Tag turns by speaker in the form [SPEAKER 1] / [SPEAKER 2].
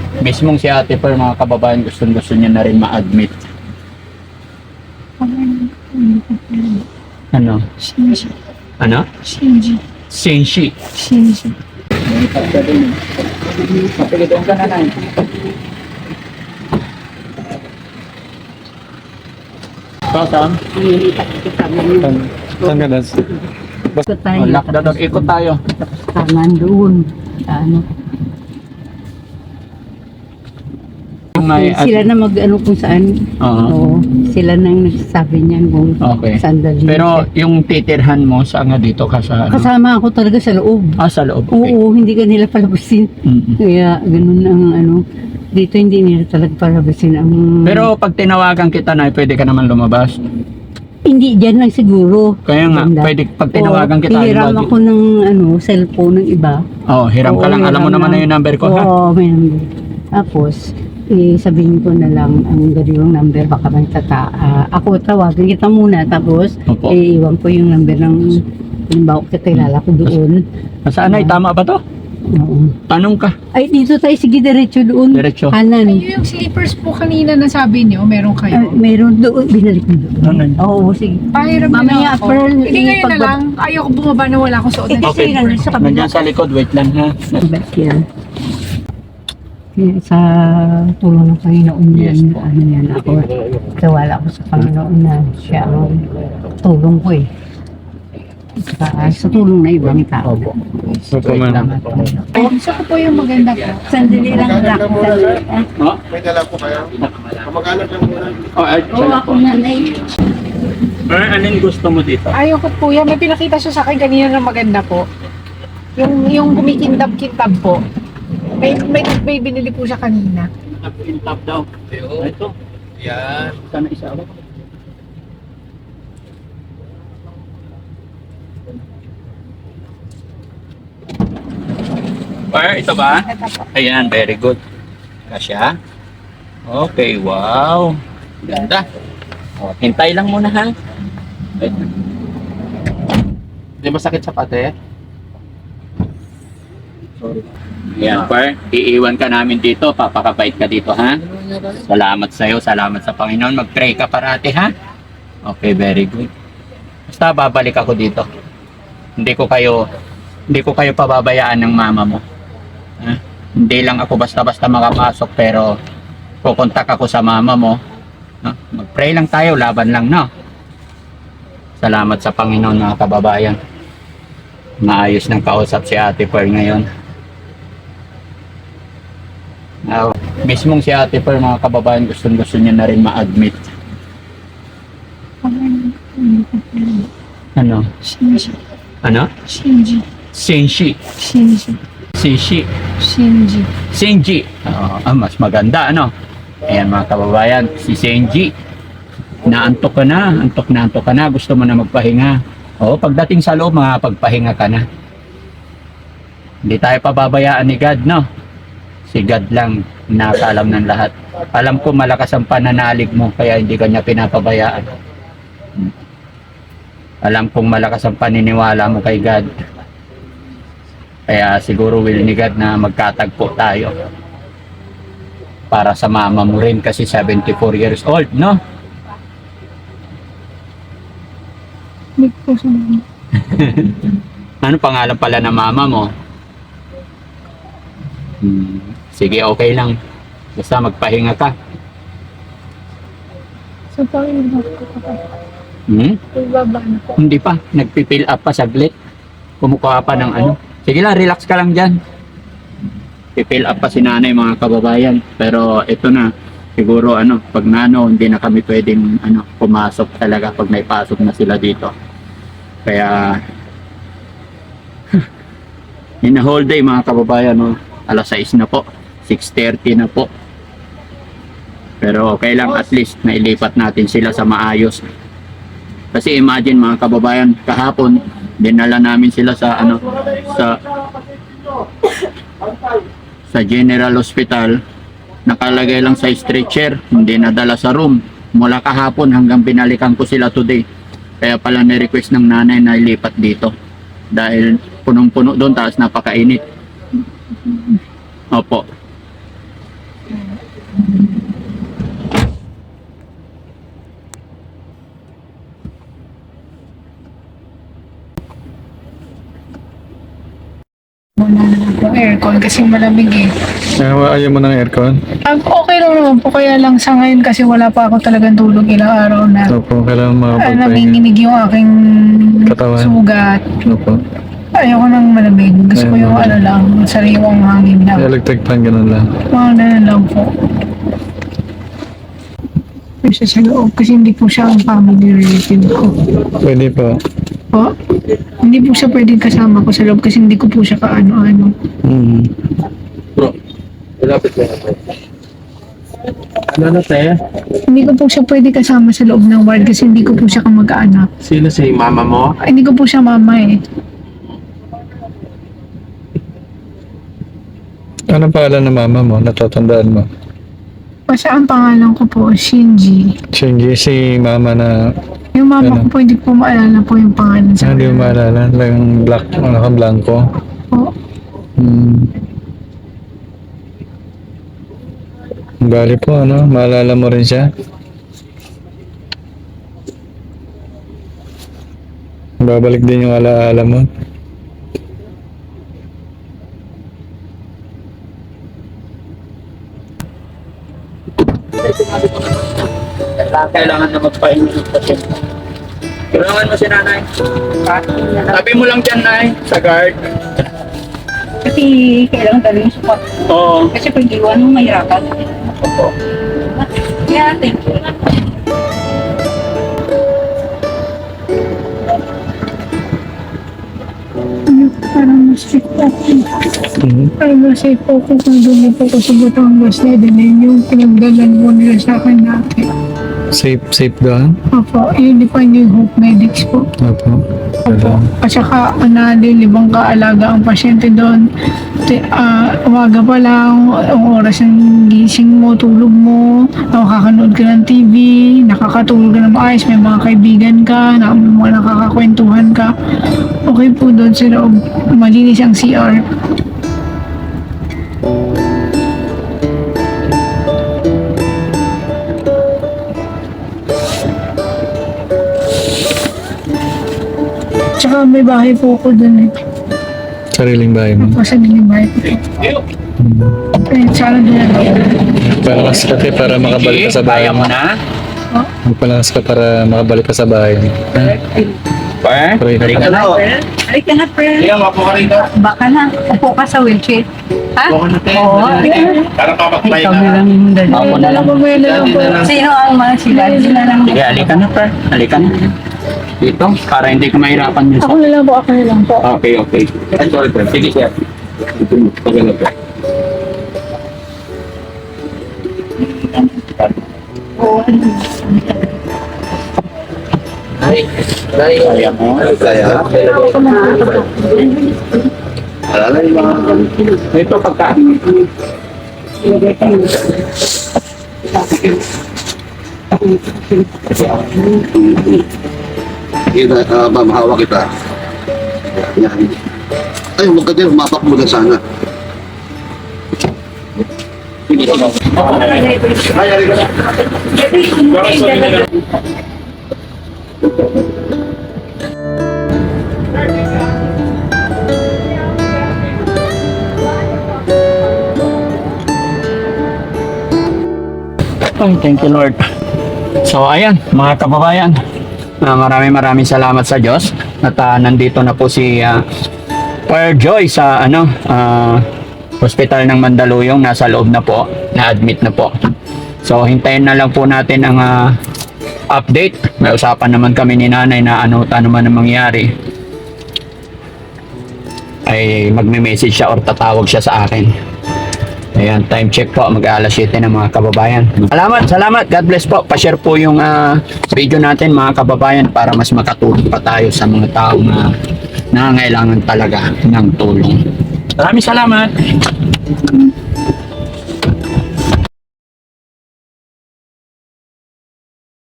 [SPEAKER 1] Mismong si Ate Per, mga kababayan, gusto niya na rin ma-admit. Ano?
[SPEAKER 2] Shinji.
[SPEAKER 1] Ano?
[SPEAKER 2] Shinji.
[SPEAKER 1] Senshi.
[SPEAKER 2] Shinji.
[SPEAKER 1] Kapilitan ka na na. Saan?
[SPEAKER 3] Saan ka na?
[SPEAKER 2] Ikot tayo.
[SPEAKER 1] Lockdown. Ikot tayo.
[SPEAKER 2] Tangan doon. Ano.
[SPEAKER 1] May,
[SPEAKER 2] Sila na mag-ano kung saan.
[SPEAKER 1] Oo.
[SPEAKER 2] Oo. Sila na yung nagsasabi niyan kung
[SPEAKER 1] Okay.
[SPEAKER 2] saan dalhin
[SPEAKER 1] Pero
[SPEAKER 2] siya.
[SPEAKER 1] yung titirhan mo, saan nga dito ka sa ano?
[SPEAKER 2] Kasama ako talaga sa loob.
[SPEAKER 1] Sa loob. Okay.
[SPEAKER 2] Oo, hindi ka nila palabasin.
[SPEAKER 1] Mm-mm.
[SPEAKER 2] Kaya ganun ang ano. Dito hindi nila talaga palabasin ang...
[SPEAKER 1] Pero pag tinawagan kita na, pwede ka naman lumabas.
[SPEAKER 2] Hindi, dyan lang siguro.
[SPEAKER 1] Kaya nga,
[SPEAKER 2] Ganda.
[SPEAKER 1] pwede pag tinawagan
[SPEAKER 2] Oo,
[SPEAKER 1] kita.
[SPEAKER 2] hiram
[SPEAKER 1] halimbawa,
[SPEAKER 2] ako ng ano, cellphone ng iba.
[SPEAKER 1] hiram ka
[SPEAKER 2] Oo,
[SPEAKER 1] lang. Alam mo
[SPEAKER 2] hiram
[SPEAKER 1] naman na
[SPEAKER 2] lang.
[SPEAKER 1] yung number ko, ha?
[SPEAKER 2] Oo, may number. Tapos, sabihin ko na lang ang gano'ng number, baka may ako tawagin kita muna, tapos
[SPEAKER 1] Opo.
[SPEAKER 2] iwan ko yung number ng halimbawa kakilala ko doon.
[SPEAKER 1] Saan ay? Tama ba to?
[SPEAKER 2] Oo.
[SPEAKER 1] Tanong ka.
[SPEAKER 2] Ay, dito tayo, sige, diretso doon.
[SPEAKER 1] Diretso.
[SPEAKER 2] Kanan.
[SPEAKER 4] Yung slippers po kanina na sabi niyo, meron kayo.
[SPEAKER 2] Meron doon, binalik mo doon.
[SPEAKER 1] Ano yun?
[SPEAKER 2] Oo, sige.
[SPEAKER 4] Pahiram na
[SPEAKER 2] Mamaya,
[SPEAKER 4] lang ako.
[SPEAKER 2] Pearl,
[SPEAKER 4] Hindi ngayon na
[SPEAKER 2] ipagba-
[SPEAKER 4] lang. Ayoko bumaba na wala akong suot na
[SPEAKER 2] Kasi nandun sa kabila.
[SPEAKER 1] Nandiyan sa likod. Wait lang, ha?
[SPEAKER 2] Ba't yan? Kaya sa tulong ng Panginoon yan,
[SPEAKER 1] Yes po.
[SPEAKER 2] ano yan ako. Kawala ako sa Panginoon na siya ang tulong ko eh. Sa tulong na ibang tao.
[SPEAKER 1] Opo.
[SPEAKER 3] Opo,
[SPEAKER 1] Wait
[SPEAKER 3] ma'am.
[SPEAKER 1] lang.
[SPEAKER 4] Gusto ko po yung maganda po.
[SPEAKER 2] Sandali lang, Jack. Sandali.
[SPEAKER 1] Oh?
[SPEAKER 5] May dala po kayo? Kamag-anak lang muna.
[SPEAKER 2] Oo, ako nanay.
[SPEAKER 1] Anong gusto mo dito?
[SPEAKER 4] Ayoko po yan. May pinakita siya sa akin kanina na maganda po. Yung kumikintab-kintab po. May binili po siya kanina.
[SPEAKER 1] Nag-intap daw. Ito.
[SPEAKER 5] Yan.
[SPEAKER 1] Sana isa ako. Ito ba?
[SPEAKER 4] Ito po.
[SPEAKER 1] Ayan, very good. Kasya. Okay, wow. Ganda. Hintay lang muna, ha? Wait.
[SPEAKER 5] Hindi masakit sa pate?
[SPEAKER 1] Ayan, par. Iiwan ka namin dito. Papakabait ka dito, ha? Salamat sa'yo. Salamat sa Panginoon. Mag-pray ka parati, ha? Okay, very good. Basta babalik ako dito. Hindi ko kayo pababayaan ng mama mo. Ha? Hindi lang ako basta-basta makapasok, pero kukontak ako sa mama mo. No? Mag-pray lang tayo, laban lang, no? Salamat sa Panginoon, mga kababayan. Maayos ng kausap si Ate Per ngayon. Mismong si Ate Per, mga kababayan, gusto niya na rin ma-admit. Ano?
[SPEAKER 4] Shinji.
[SPEAKER 1] Ano?
[SPEAKER 4] Shinji.
[SPEAKER 1] Senshi.
[SPEAKER 4] Shinji.
[SPEAKER 1] Senshi.
[SPEAKER 4] Shinji.
[SPEAKER 1] Senji. Mas maganda, ano? Ayan, mga kababayan, si Senji. Naantok ka na, antok ka na, gusto mo na magpahinga. Pagdating sa loob, pagpahinga ka na. Hindi tayo pababayaan ni God, no? Si God lang nakaalam ng lahat. Alam ko malakas ang pananalig mo, kaya hindi ka niya pinapabayaan. Alam kong malakas ang paniniwala mo kay God. Kaya siguro will ni God na magkatagpo tayo. Para sa mama mo rin kasi 74 years old, no?
[SPEAKER 4] Big po sa mga.
[SPEAKER 1] Ano pangalan pala ng mama mo? Sige, okay lang. Basta magpahinga ka.
[SPEAKER 4] So, pakiramdam ko pa. Ibaba na po.
[SPEAKER 1] Hindi pa. Nagpipill up pa saglit. Kumukuha pa ng ano. Sige lang, relax ka lang dyan. Pipill up pa si nanay, mga kababayan. Pero ito na. Siguro pag hindi na kami pwedeng pumasok talaga pag may pasok na sila dito. Kaya in a whole day, mga kababayan, alas 6 na po. 6:30 na po. Pero okay lang, at least nailipat natin sila sa maayos. Kasi imagine, mga kababayan, kahapon dinala namin sila sa sa General Hospital. Nakalagay lang sa stretcher, hindi nadala sa room. Mula kahapon hanggang binalikan ko sila today. Kaya pala ni-request ng nanay na ilipat dito. Dahil punong-puno doon, tapos napakainit. Opo.
[SPEAKER 4] Wala na lang po aircon kasi malamig eh.
[SPEAKER 3] Ayaw mo ng aircon?
[SPEAKER 4] Okay lang naman po, kaya lang sa ngayon kasi wala pa ako talagang tulog ilang araw na.
[SPEAKER 3] Opo, kailangan makapagpahinga.
[SPEAKER 4] Nanginginig yung aking
[SPEAKER 3] Katawan.
[SPEAKER 4] sugat.
[SPEAKER 3] Opo.
[SPEAKER 4] Ayoko nang malamig. Gusto ko yung ano lang, sariwang hangin lang.
[SPEAKER 3] Electric fan, ganun lang.
[SPEAKER 4] Mga ganun lang po. Kasi sa loob, kasi hindi po siya ang family relative ko.
[SPEAKER 3] Pwede po.
[SPEAKER 4] Po? Hindi po siya pwedeng kasama ko sa loob kasi hindi ko po siya kaano-ano.
[SPEAKER 3] Mm.
[SPEAKER 5] Malapit lang ako. Ano na, te?
[SPEAKER 4] Hindi ko po siya pwede kasama sa loob ng ward kasi hindi ko po siya kamag-anak.
[SPEAKER 5] Sino si mama mo?
[SPEAKER 4] Ay, hindi ko po siya mama eh.
[SPEAKER 3] Anong pangalan ng mama mo? Natatandaan mo?
[SPEAKER 4] Kasi ang pangalan ko po, Shinji.
[SPEAKER 3] Shinji, si mama na...
[SPEAKER 4] Yung mama
[SPEAKER 3] Ano?
[SPEAKER 4] ko po, hindi ko maalala po yung pangalan sa
[SPEAKER 3] Hindi mo maalala. Lang black, naka-blanco.
[SPEAKER 4] po.
[SPEAKER 3] Hmm. Bali po, ano? Maalala mo rin siya? Babalik din yung alaala mo.
[SPEAKER 1] Kailangan na magpahinga ng pasyente. Kailangan mo si nanay. Sabi mo lang dyan, nay, sa guard.
[SPEAKER 2] Kasi kailangan talaga yung support.
[SPEAKER 1] Oo.
[SPEAKER 2] Kasi pag iwan mo, mahirapan. Yeah, thank you.
[SPEAKER 4] Parang mas-safe po ako.
[SPEAKER 3] Mhm.
[SPEAKER 4] Parang mas-safe po ako kung doon po ako sa Batangas na din yung pinagdalan po nila sa akin dati.
[SPEAKER 3] Safe doon?
[SPEAKER 4] Opo, yun di pa yung Hope Medics po.
[SPEAKER 3] Opo.
[SPEAKER 4] Opo. At saka, libang kaalaga ang pasyente doon. Umaga pa lang, ang oras ng gising mo, tulog mo, nakakanood ka ng TV, nakakatulog ka ng maayos, may mga kaibigan ka, mga nakakakwentuhan ka. Okay po doon sa loob, malinis ang CR. Tsaka may bahay po ako doon eh.
[SPEAKER 3] Sariling bahay mo.
[SPEAKER 4] Pasagin yung bahay ko. Eh, sana doon na lang.
[SPEAKER 3] Palakas ka te, para makabalik ka sa bahay
[SPEAKER 1] Kaya
[SPEAKER 3] mo.
[SPEAKER 1] mo na?
[SPEAKER 3] Magpalakas ka para makabalik ka sa bahay mo.
[SPEAKER 1] Pa?
[SPEAKER 3] Pray na
[SPEAKER 1] Halika
[SPEAKER 3] pa.
[SPEAKER 1] na.
[SPEAKER 2] Halika na, friend.
[SPEAKER 5] Sige, mapo ka rito.
[SPEAKER 2] Baka na, upo ka sa wheelchair. Ha?
[SPEAKER 5] Mapo ka na, te.
[SPEAKER 2] Oo, halika na.
[SPEAKER 5] Para papagpahinga.
[SPEAKER 2] Ikaw na lang yung dalawa.
[SPEAKER 1] Ako na lang.
[SPEAKER 4] Mamaya na lang po.
[SPEAKER 2] Sino ang mga sila? Sila lang.
[SPEAKER 1] Sige, halika na, pa. Halika na. Dito, para hindi ka mahirapan yun.
[SPEAKER 4] Ako na lang po, ako na lang po.
[SPEAKER 1] Okay, okay. Sorry, pa. Sige, sir. Pagano pa. Kaya mo.
[SPEAKER 5] Kaya? Alala yung mga...
[SPEAKER 1] Ito pagkain.
[SPEAKER 6] Ma'am, hawak kita. Yan. Ay, huwag ka din, humapak mo na sana.
[SPEAKER 1] Ay, thank you Lord. So ayan, mga kababayan, maraming salamat sa Diyos at nandito na po si Fire Joy sa hospital ng Mandaluyong, nasa loob na po, na-admit na po. So hintayin na lang po natin ang update. May usapan naman kami ni nanay na ano man ang mangyari ay magme-message siya or tatawag siya sa akin. Ayan, time check po, mag-aalas 7 na mga kababayan. Salamat, God bless po. Pa-share po yung video natin mga kababayan para mas makatulong pa tayo sa mga taong nangangailangan talaga ng tulong. Maraming salamat.